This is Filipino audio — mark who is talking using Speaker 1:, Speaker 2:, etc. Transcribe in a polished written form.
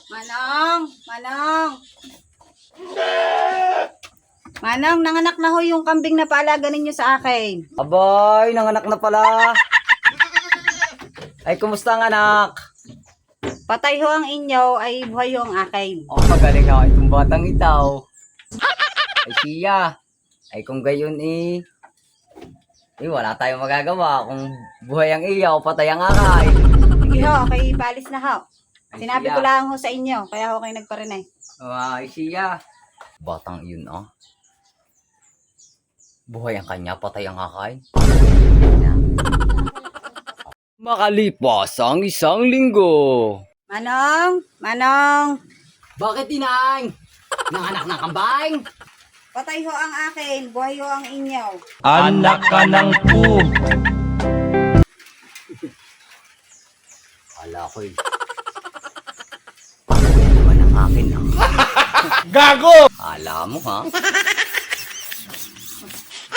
Speaker 1: Manong! Manong! Manong, nanganak na ho yung kambing na paalaga ninyo sa akin.
Speaker 2: Abay, nanganak na pala. Ay, kumusta ang anak?
Speaker 1: Patay ho ang inyo, ay buhay ho ang akin.
Speaker 2: Oh, magaling ako itong batang itaw. Ay, siya. Ay, kung gayon wala tayong magagawa. Kung buhay ang iyaw, patay ang akay.
Speaker 1: Sige ho, okay, paalis na ho.
Speaker 2: Ay,
Speaker 1: Sinabi
Speaker 2: siya.
Speaker 1: ko lang ho sa inyo, kaya ho kayo nagparinay.
Speaker 2: Ay, siya. Batang iyon, buhay ang kanya, patay ang akay. Makalipas ang isang linggo.
Speaker 1: Manong! Manong!
Speaker 2: Bakit inang? Nanganak ng kambing?
Speaker 1: Patay ho ang akin, buhay ho ang inyo.
Speaker 3: Anak ka ng pu.
Speaker 2: Kala ko'y patay naman ang akin.
Speaker 3: Gago!
Speaker 2: Kala mo, ha?